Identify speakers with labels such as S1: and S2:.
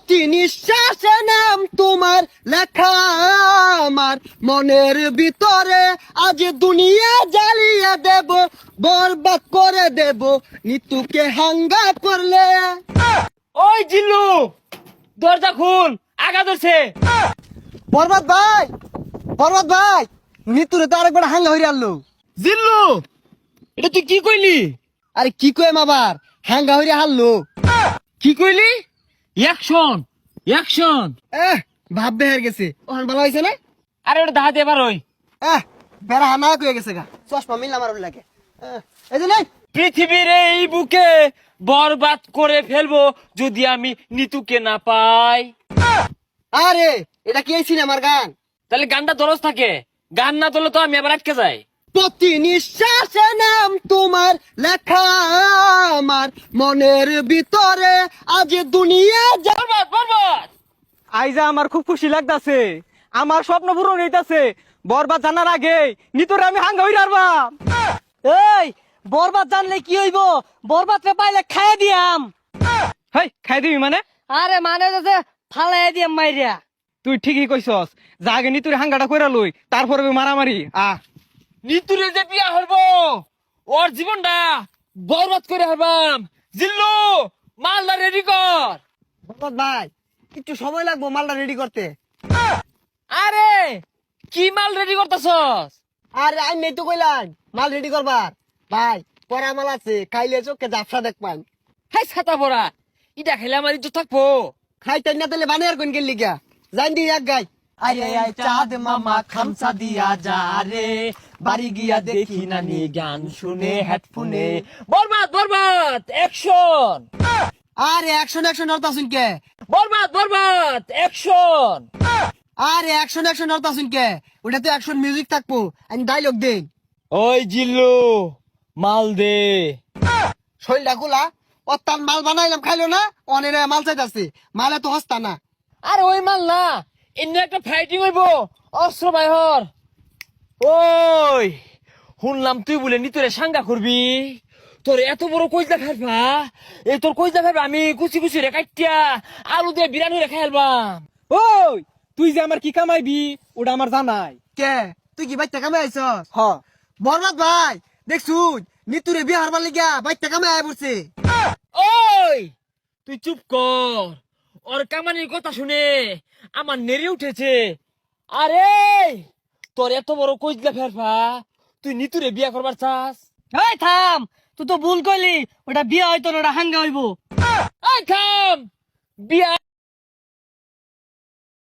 S1: প্রতি নিঃশ্বাসে নাম তোমার লেখা আমার মনের ভিতরে আজ দুনিয়া জ্বালিয়ে দেব, বরবাদ করে দেব নিতুকে হাঙ্গা করলে।
S2: ওই জিল্লু, দরজা খুল, আগা ধরছে।
S1: বরবাদ ভাই, বরবাদ ভাই, নিতুরে তো আরেকবার হাঙ্গা হইরে আনলো।
S2: জিল্লু, এটা তুই কি কইলি?
S1: আরে কি কইম আবার, হাঙ্গা হইরে হারলো।
S2: কি কইলি? Action, action.
S1: ভাব বেহার গেছে, ওখান ভালো হয়েছে না?
S2: আরে ওটা দাহাতে এবার ওই
S1: বেড়া হানা কয়ে গেছে গা, চশমা মিললাম আর লাগে। এই যে নাই
S2: পৃথিবীর এই বুকে বরবাদ করে ফেলবো যদি আমি নিতুকে না পাই।
S1: আরে এটা কি এই সিনেমার গান?
S2: তাহলে গানটা দরজ থাকে, গান না তোলে তো আমি আবার আটকে যাই।
S1: প্রতি নিঃশ্বাসে নাম তোমার লেখা আমার মনের ভিতরে আজ দুনিয়া
S2: বরবাদ, বরবাদ।
S3: আইজা আমার খুব খুশি লাগতাছে, আমার স্বপ্ন পূরণ হইতাছে। বরবাদ জানার আগে নিতরে আমি হাঙ্গা হইরা আরবাম।
S4: এই বরবাদ জানলে কি হইব? বরবাদ রে পাইলে খাইয়ে দিয়াম।
S3: হেই, খাই দিবি মানে?
S4: আরে মানে যে ফালাই দিয়াম মাইরিয়া।
S3: তুই ঠিকই কইছস, যা আগে নিতুরে হাঙ্গাটা কইরা লই, তারপরে মারামারি।
S2: নিতুরে যে বিয়া হইবো, ওর জীবনটা বরবাদ করে হরবাম। জিল্লু, মালদা রেডি কর।
S1: বরবাদ ভাই, একটু সময় লাগবো মালটা রেডি করতে।
S2: আরে কি মাল রেডি করতেছস?
S1: আরে আমি নেই তো কইলাম মাল রেডি করবার। ভাই পরা মাল আছে, খাইলে চোখে জাফসা দেখবান।
S2: হাই ছাতা পড়া, ইটা খেলে আমার ইজ্জত থাকবো।
S1: খাইতে না তাহলে বানিয়ার কোন গেলি গা, জান দি এক গাই।
S2: আরে আয় চাঁদ মামা খামসা দিয়া যা রে, বাড়ি গিয়া দেখি নানি গান শুনে হেডফোনে। বরবাদ, বরবাদ, অ্যাকশন।
S1: আরে অ্যাকশন অ্যাকশন হরতাছুন কে?
S2: বরবাদ, বরবাদ, অ্যাকশন।
S1: আরে অ্যাকশন অ্যাকশন হরতাছুন কে? ওটা তো অ্যাকশন মিউজিক থাকবো, আমি ডাইলগ দেই।
S2: ওই জিল্লু, মাল দে।
S1: শৈলটা খোলা, অত্যান মাল বানাইলাম খাইলো না, অনেক মাল চাইতাছে, মালে তো হস্তা না।
S2: আরে ওই মাল না, এমনি একটা ফাইটিং হইব, অস্ত্র বাইহর। ওই শুনলাম তুই বলে নিতরে সাঙ্গা করবি, তোর এত বড় কইজা ফেলবা, এই তোর কইজা ফেলবা আমি কুচি কুচি রে কাটিয়া আলু দিয়ে বিরানি রে খাইলবাম।
S3: ওই তুই যে আমার কি কামাইবি ওটা আমার জানাই।
S1: কে তুই কি বাইতে কামে আইছস?
S3: হ,
S1: বরবাদ ভাই দেখছুন নিতুরে বিয়ে হারবার লিগা বাইতে কামে আয় পড়ছে।
S2: ওই তুই চুপ কর, ওর কামানির কথা শুনে আমার নেড়ে উঠেছে। আরে তোর এত বড় কইজা ফেলবা, তুই নিতুরে বিয়া করবার চাস?
S4: এই থাম, তুই তো ভুল কইলি, ওটা বিয়া হইতো না, ওটা হাঙ্গা হইব।
S2: এই থাম, বিয়া